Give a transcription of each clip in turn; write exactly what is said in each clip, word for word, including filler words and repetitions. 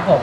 ผม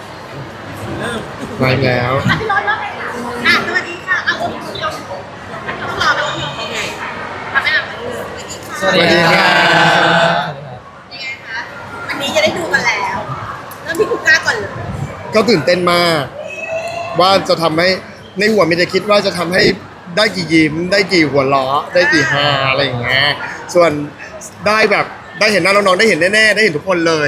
มาแล้วอ่ะพี่รถว่าไงคะอ่ะสวัสดีค่ะเอาอุ้มยกต้องรอแบบโอเคทำให้แบบสวัสดีค่ะสวัสดีครับยังไงคะวันนี้จะได้ดูกันแล้วเริ่มที่คุณกล้าก่อนเลยก็ตื่นเต้นมาก ว่าจะทำให้ในหัวไม่ได้คิดว่าจะทำให้ได้กี่ยิ้มได้กี่หัวเราะได้กี่ฮาอะไรอย่างเงี้ยส่วนได้แบบได้เห็นหน้าน้องๆได้เห็นแน่ๆได้เห็นทุกคนเลย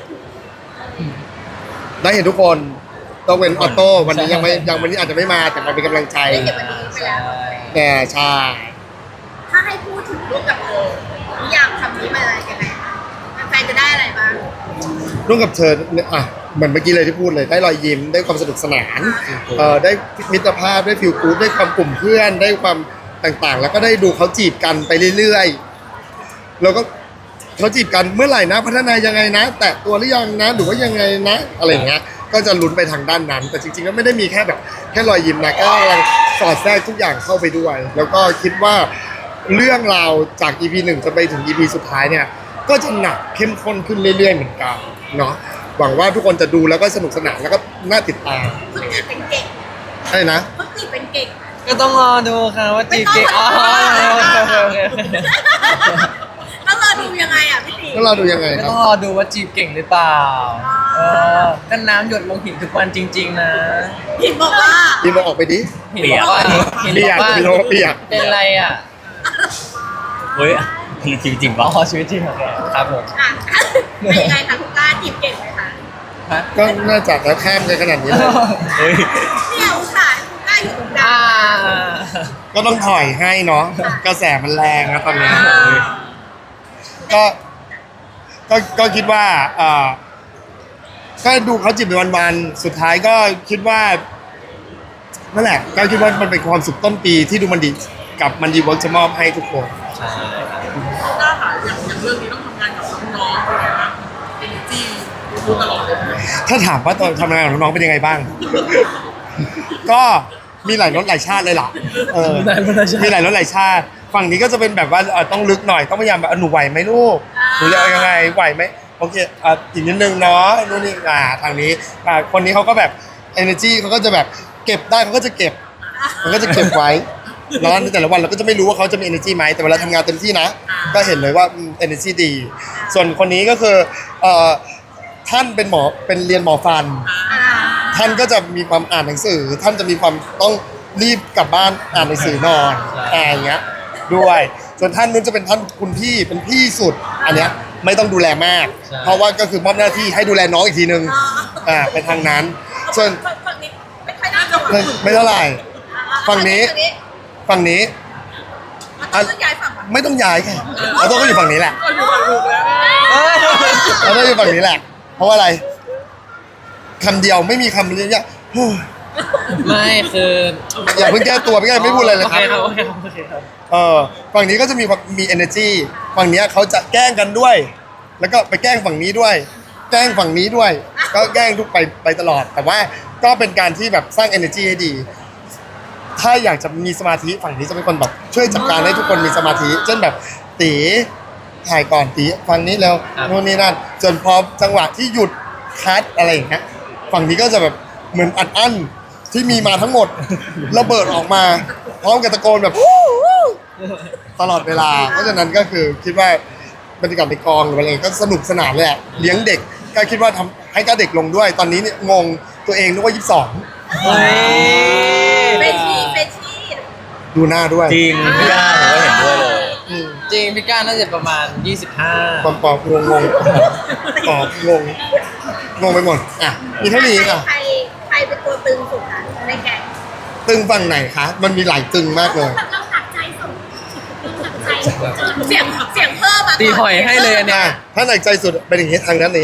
ได้เห็นทุกคนต้องเป็นออโต้วันนี้ยังไม่ยังวันนี้อาจจะไม่มาแต่มาเป็นกำลังใจได้เก็บวันนี้ไปแล้วแต่ใช่ถ้าให้พูดถึงรูปกับเธอนิยามคำนี้มาอะไรกันไหนคะแฟนๆจะได้อะไรบ้างร่วมกับเธอเนี่ยอ่ะเหมือนเมื่อกี้เลยที่พูดเลยได้รอยยิ้มได้ความสนุกสนานเอ่อได้มิตรภาพได้ฟิลกู๊ดได้ความกลุ่มเพื่อนได้ความต่างๆ แล้วก็ได้ดูเขาจีบกันไปเรื่อยๆแล้วก็เขาจีบกันเมื่อไหร่นะพัฒนายังไงนะ แตะตัวหรือยังนะหรือว่ายังไงนะอะไรอย่างเงี้ยก็จะลุ้นไปทางด้านนั้น แต่จริงๆก็ไม่ได้มีแค่แบบแค่รอยยิ้มนะก็กำลังสอดแทรกทุกอย่างเข้าไปด้วย แล้วก็คิดว่าเรื่องราวจาก อี พี หนึ่งจนไปถึง อี พี สุดท้ายเนี่ยก็จะหนักเข้มข้นขึ้นเรื่อยๆเหมือนกันเนาะหวังว่าทุกคนจะดูแล้วก็สนุกสนานแล้วก็น่าติดตามเขาจีบเป็นเก่งใช่นะเขาจีบเป็นเก่งก็ต้องรอดูครับว่าจีบเก่งอ๋อโอเคโอเคโอเคต้องรอดูยังไงอ่ะพี่ตีแล้วเราดูยังไงก็ครับต้องรอดูว่าจีบเก่งหรือเปล่าเออก็น้ำหยดลงหินทุกวันจริง ๆ นะหินบอกว่าพี่มาออกไปดิหินบอกว่าหินบเปีอย กกว่าพี่โน้ตเปียกเป็นไรอ่ะเฮ้ยจริงจริงจริงอ๋ปะอชีวิตจริงโอเคครับผมอ่ะเป็นยังไงคะคุณกล้าจีบเก่งไหมคะฮะก็น่าจะแล้วข้ามกันขนาดนี้เลยเฮ้ยเนี่ยอุตส่าห์คุณกล้าอยู่ตรงกลาอ่างก็ต้องถอยให้เนาะกระแสมันแรงนะตอนนี้ก็ก็ก็คิดว่าเอ่อก็ดูเขาจีบไปวันๆสุดท้ายก็คิดว่านั่นแหละก็คิดว่ามันเป็นความสุขต้นปีที่ดูมันดีกับมันดีเวิร์กจะมอบให้ทุกคนใช่หน้าหาอย่างอย่างเรื่องนี้ต้องทำงานกับน้องๆด้วยนะเอเนจีรู้ตลอดเลยถ้าถามว่าตอนทำงานของน้องๆเป็นยังไงบ้าง ก็มีหลายรสหลายชาติเลยล่ะเออมีหลายรสหลายชาติ ฝั่งนี้ก็จะเป็นแบบว่าเอ่อต้องลึกหน่อยต้องพยายามแบบเออหนูไหวไหมลูกหนูจะเอายังไงไหวไหมโอเคอ่ะอีกนิดนึงเนาะนู่นนี่อ่าทางนี้อ่าคนนี้เขาก็แบบ energy เขาก็จะแบบเก็บได้เขาก็จะเก็บมันก็จะเก็บไว้แล้วในแต่ละวันเราก็จะไม่รู้ว่าเขาจะมี energy ไหมแต่เวลาทำงานเต็มที่นะ ก็เห็นเลยว่าอืม energy ดี ส่วนคนนี้ก็คือเอ่อท่านเป็นหมอเป็นเรียนหมอฟันอ่าท่านก็จะมีความอ่านหนังสือ ท่านจะมีความต้องรีบกลับบ้านอ่านหนังสือนอนอะไรอย่างเงี้ยด้วยส่วนท่านนู้นจะเป็นท่านคุณพี่เป็นพี่สุด อันเนี้ยไม่ต้องดูแลมาก เพราะว่าก็คือมอบหน้าที่ให้ดูแลน้องอีกทีนึงอ่าเป็นทางนั้น ส่วนฝั่งนี้ไม่ค่อยน่าจะไม่ไม่เท่าไหร่ฝั่งนี้ฝั่งนี้มันต้องย้ายฝั่งว่ะไม่ต้องย้ายค่ะเราต้องก็อยู่ฝั่งนี้แหละก็อยู่กับลูกแล้วเอ้ยเราต้องอยู่ฝั่งนี้แหละ เพราะว่าอะไรคำเดียวไม่มีคำเรียกว่าไม่คืออย่าเพิ่งแก้ตัวไม่งั้นไม่พูดอะไรเลยครับโอเคครับโอเคครับโอเคครับเออฝั่งนี้ก็จะมีความมี energy ฝั่งเนี้ยเขาจะแกล้งกันด้วย แล้วก็ไปแกล้งฝั่งนี้ด้วย แกล้งฝั่งนี้ด้วย ก็แกล้งทุกไปไปตลอด แต่ว่าก็เป็นการที่แบบสร้าง energy ให้ดี ถ้าอยากจะมีสมาธิฝั่งนี้จะเป็นคนแบบช่วยจัดการให้ทุกคนมีสมาธิเช่นแบบตีถ่ายก่อนตีฝั่งนี้แล้วนู่นนี่นั่นจนพอจังหวะที่หยุดคัดอะไรอย่างเงี้ยฝั่งนี้ก็จะแบบเหมือนอัดอั้นที่มีมาทั้งหมดระเบิดออกมาพร้อมกับตะโกนแบบ ตลอดเวลา เพราะฉะนั้นก็คือคิดว่าบรรยากาศในกองหรืออะไรก็สนุกสนานเลยอะเลี้ยงเด็กก็คิดว่าทำให้ก็เด็กลงด้วย ตอนนี้เนี่ยงงตัวเองนึกว่ายี่สิบสองเฮ้ยเฟชี่เฟชี่ดูหน้าด้วยจริงพี่ย่าผมก็เห็นด้วยเลยอืมจริงพี่ก้าน่าจะประมาณยี่สิบห้าปอมปอมงงงงปอมงงงงไปหมดอ่ะมีเท่านี้ค่ะใครใครเป็นตัวตึงสุดคะในแก๊งตึงฝั่งไหนคะมันมีหลายตึงมากเลยเราหนักใจสุดหนักใจเสียงเสียงเพิ่มมาก่นตีหอยให้เลยอันเนี้อ่ะยถ้าหนักใจสุดเป็นอย่างนี้ทางนั้นนี้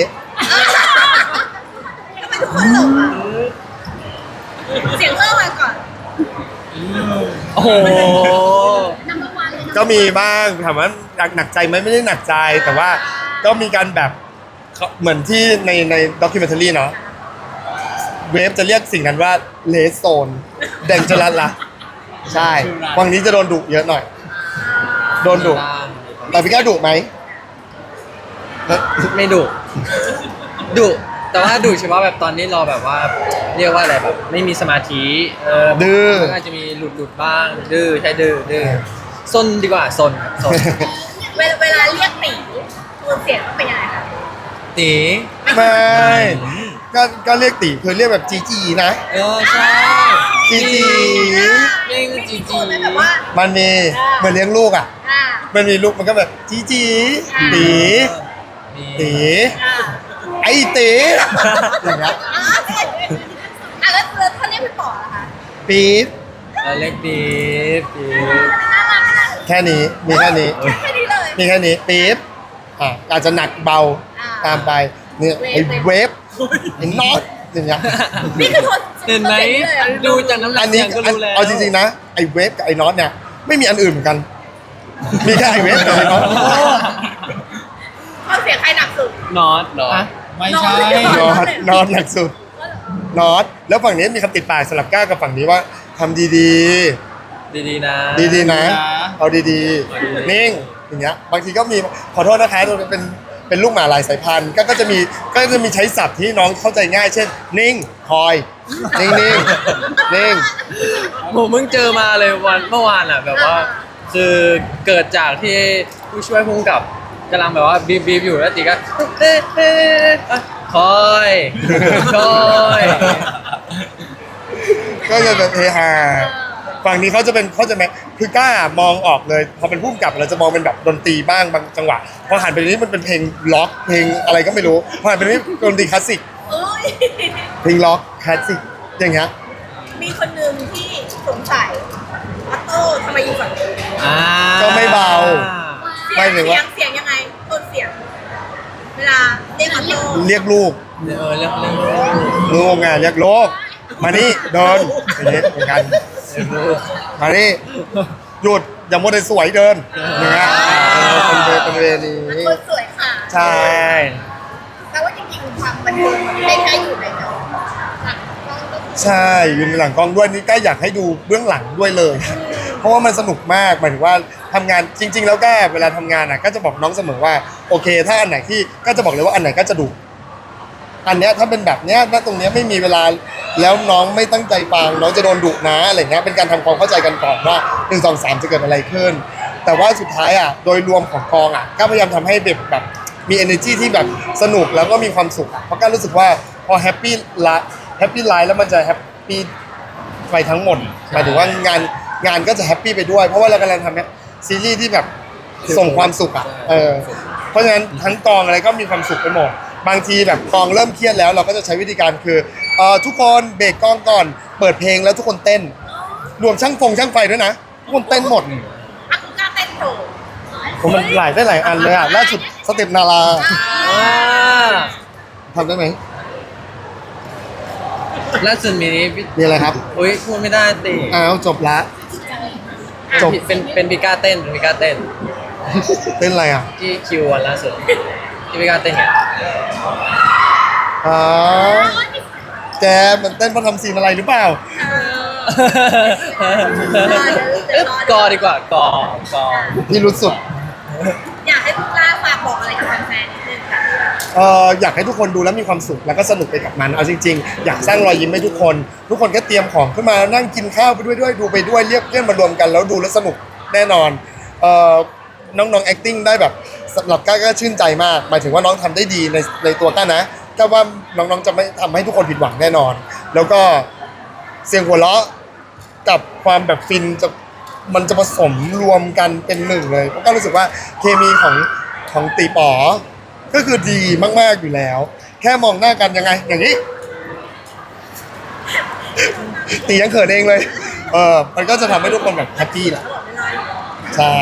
ทำไมทุกคนหลงอ่ะเสียงเพิ่มมาก่อนโอ้โห number one เลยก็มีบ้างถามว่าหนักหนักใจไหมไม่ได้หนักใจ แต่ว่าก็มีการแบบเหมือนที่ในในด็อกิเมนทารีเนาะเวฟจะเรียกสิ่งนั้นว่าเลสโซนเดนจรัสละใช่ฝั่งนี้จะโดนดุเยอะหน่อย โดนดุแต่พี่ก้าดุไหมไม่ดุดุแต่ว่าดูเฉพาะแบบตอนนี้เราแบบว่าเรียกว่าอะไรแบบไม่มีสมาธิเออดื้อมันอาจจะมีหลุดหลุดๆบ้างดื้อใช่ดื้อดื้อซนดีกว่าซนซนเวลาเวลาเรียกตีโทนเสียงต้องเป็นยังไงคะตีไม่ก็ก็เรียกตีคือเรียกแบบจีจีนะเออใช่จีจีเรียกจีจีโทนแบบว่ามันมีเหมือนเลี้ยงลูกอ่ะอ่ามันมีลูกมันก็แบบจีจีตีนี่ตีอ่าไอ้ตีอย่างเงี้ยอ่าอ่ะแล้วแล้วถ้าเรียกพี่ป๋อล่ะคะปี๊ดเราเรียกปี๊บปี๊บน่ารักน่าแค่นี้มีแค่นี้รักแค่นี้เลยมีแค่นี้ปี๊บอ่ะอาจจะหนักเบาอ่าตามไปเนี่ยไอ้เวฟไอ้น็อตอย่างเงี้ยนี่คือโทนเห็นไหมโทสียงเลยอะดูจากน้ำหนัอักนนี้เสียงก็อันรู้แล้วเอาจริงๆนะไอ้เวฟกับไอ้น็อตเนี่ยไม่มีอันอื่นเหมือนกัน มีแค่ไอ้เวฟกับไอ้น็อตโทนเสียงใครหนักสุดนอตเหรอไม่ใช่น็อตน็อตหนักสุดน็อตแล้วฝั่งนี้มีคำติดปากสลับก้าวกับฝั่งนี้ว่าทำดีดีๆนะๆ ดีๆนะนะเอาดีๆ นิ่งอย่างเงี้ยบางทีก็มีขอโทษนะคะเราเป็นเป็นลูกหมาหลายสายพันธุ์ก็ก็จะมีก็จะมีใช้ศัพท์ที่น้องเข้าใจง่าย เช่น นิ่งคอย นิ่งนิ่งนิ่งผมเพิ่งเจอมาเลยวันเมื่อวานอ่ะแบบว่า คือเกิดจากที่ผู้ช่วยผู้กำกับกำลังแบบว่าบีบบีบอยู่แล้วตีก็เอ๊ะเอ๊ะเอ๊ะคอยคอยก็จะแบบเฮฮาฝั่งนี้เขาจะเป็นเขาจะไหมคือกล้ามองออกเลยพอเป็นผู้กำกับเราจะมองเป็นแบบดนตรีบ้างบางจังหวะพอหันไปนี้มันเป็นเพลงล็อกเพลงอะไรก็ไม่รู้พอหันไปนี้ดนตรีคลาสสิกเอ้ยเพลงล็อกคลาสสิกอย่างเงี้ยมีคนหนึ่งที่สงสัยออโต้ทำไมอยู่ฝั่งนี้อ่าก็ไม่เบาเสีไม่ยงถึงเสีว่ายงเสียงยังไงโทนเสียง เวลาเรียกออโต้เรียกลูกเออเรื่องเรื่องลูกไงเรียกลูกมานี่เดินอย่างเงี้ยเหมือนกันเรื่องมานี่หยุดอย่ามัวแต่สวยเดินอย่างเงี้ยเออเป็นเวเป็นเวนี้คนสวยค่ะใช่แปลว่าจริงๆความบันเทิงมันไม่ได้แค่อยู่ในจอหลังกล้องก็คือใช่ยืนหลังกล้องด้วยนี่ก็อยากให้ดูเบื้องหลังด้วยเลย เพราะว่ามันสนุกมากหมายถึงว่าทำงานจริง ๆ แล้วก็เวลาทำงานอ่ะก็จะบอกน้องเสมอว่าโอเค ถ้าอันไหนที่ก็จะบอกเลยว่าอันไหนก็จะดุอันเนี้ยถ้าเป็นแบบเนี้ยณตรงเนี้ยไม่มีเวลาแล้วน้องไม่ตั้งใจฟังน้องจะโดนดุนะอะไรเงี้ยเป็นการทำความเข้าใจกันก่อนว่าหนึ่งสองสามจะเกิดอะไรขึ้น แต่ว่าสุดท้ายอ่ะโดยรวมของกองอ่ะก็พยายามทำให้เด็กแบบมี energy ที่แบบสนุกแล้วก็มีความสุขอะเพราะก็รู้สึกว่าพอแฮปปี้ละแฮปปี้ไลฟ์แล้วมันจะแฮปปี้ไปทั้งหมดหมายถึงว่างานงานก็จะแฮปปี้ไปด้วย เพราะว่าเรากำลังทำซีรีส์ที่แบบส่งความสุขอ่ะเออเพราะฉะนั้นทั้งกองอะไรก็มีความสุขไปหมดบางทีแบบกองเริ่มเครียดแล้วเราก็จะใช้วิธีการคือเอ่อทุกคนเบรกกองก่อนเปิดเพลงแล้วทุกคนเต้น รวมช่างฟงช่างไฟด้วยนะทุกคนเต้นหมดอักกล้าเต้นโชว์ผมมันหลายได้หลายอันเลยอ่ะล่าสุดสเต็ปนาราอ่าทำได้ไหมล่าสุดมีนี้พี่มีอะไรครับอุ้ยพูดไม่ได้ติอ้าวจบละ จบเป็นเป็นพิก้าเต้นเป็นพิก้าเต้นเต้นอะไรอ่ะที่คิววันล่าสุดที่พิก้าเต้นเนี่ยอ๋อแกมันเต้นเพราะทำซีนอะไรหรือเปล่าเอ๊ะกอดีกว่ากอกอพี่รู้สุดอยากให้คุณกล้าฝากบอกอะไรกับแฟนๆนิดนึงค่ะเอ่ออยากให้ทุกคนดูแล้วมีความสุขแล้วก็สนุกไปกับมันเอาจริงๆอยากสร้างรอยยิ้มให้ทุกคน ทุกคนก็เตรียมของขึ้นมานั่งกินข้าวไปด้วยด้วยดูไปด้วยเรียกเพื่อนมารวมกันแล้วดูแล้วสนุกแน่นอนเอ่อน้องๆ acting ได้แบบสำหรับก้าก็ชื่นใจมากหมายถึงว่าน้องทำได้ดีในในตัวก้านะก้าว่าน้องๆจะไม่ทำให้ทุกคนผิดหวังแน่นอน แล้วก็เสียงหัวเราะกับความแบบฟินจะมันจะผสมรวมกันเป็นหนึ่งเลยเพราะก้ารู้สึกว่าเคมีของของตีป๋อ ก็คือดีมากๆอยู่แล้ว แค่มองหน้ากันยังไง อย่างนี้ ตียังเขินเองเลย เออมันก็จะทำให้ทุกคนแบบแฮปปี้แหละใช่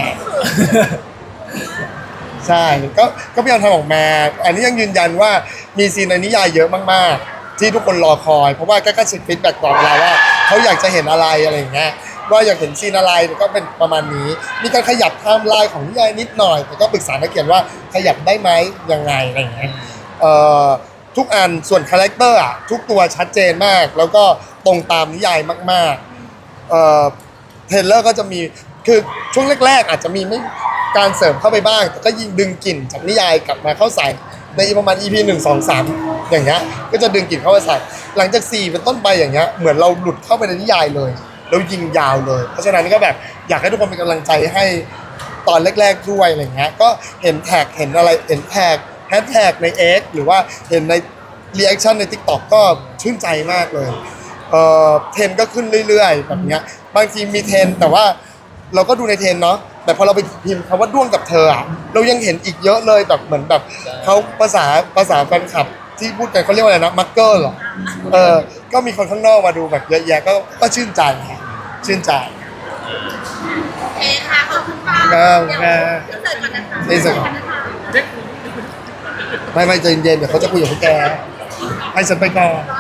ใช่ก็ก็พยายามทำออกมา อันนี้ยังยืนยันว่ามีซีนในนิยายเยอะมากๆ ที่ทุกคนรอคอย เพราะว่าก็ก็เช็คฟีดแบ็กตลอดเวลาว่าเขาอยากจะเห็นอะไรอะไรอย่างเงี้ยว่าอยากเห็นซีนอะไรก็เป็นประมาณนี้ มีการขยับไทม์ไลน์ของนิยายนิดหน่อย แต่ก็ปรึกษานักเขียนว่าขยับได้ไหมยังไงอะไรอย่างเงี้ยเอ่อทุกอันส่วนคาแรคเตอร์อ่ะทุกตัวชัดเจนมาก แล้วก็ตรงตามนิยายมากๆเอ่อเทรลเลอร์ก็จะมีคือช่วงแรกๆ อาจจะมีไม่การเสริมเข้าไปบ้าง แต่ก็ยิงดึงกลิ่นจากนิยายกลับมาเข้าใส่ในประมาณ อี พี หนึ่ง สอง สามอย่างเงี้ยก็จะดึงกลิ่นเข้าไปใส่หลังจากสี่เป็นต้นไปอย่างเงี้ยเหมือนเราหลุดเข้าไปในนิยายเลยแล้วยิงยาวเลย เพราะฉะนั้นก็แบบอยากให้ทุกคนเป็นกำลังใจให้ตอนแรกๆด้วยอะไรเงี้ยก็เห็นแท็กเห็นอะไรเห็นแท็กแฮชแท็กใน X หรือว่าเห็นในรีแอคชั่นใน TikTok ก็ชื่นใจมากเลยเอ่อเทรนด์ก็ขึ้นเรื่อยๆแบบเนี้ยบางทีมีเทรนด์แต่ว่าเราก็ดูในเทรนด์เนาะแต่พอเราไปพิมพ์คำว่าด้วงกับเธออะเรายังเห็นอีกเยอะเลยแบบเหมือนแบบเขาภาษาภาษาแฟนคลับที่พูดกันเขาเรียกว่าอะไรนะมักเกอร์เหรอเออก็มีคนข้างนอกมาดูแบบเยอะแยะก็ก็ชื่นใจค่ะชื่นใจโอเคค่ะขอบคุณค่ะครับเดี๋ยวครับอินเสิร์ตก่อนนะคะอินเสิร์ตก่อนนะคะได้คุยไม่ไม่ใจเย็นๆเดี๋ยวเขาจะคุยกับพวกแกให้ฉันไปก่อนรอ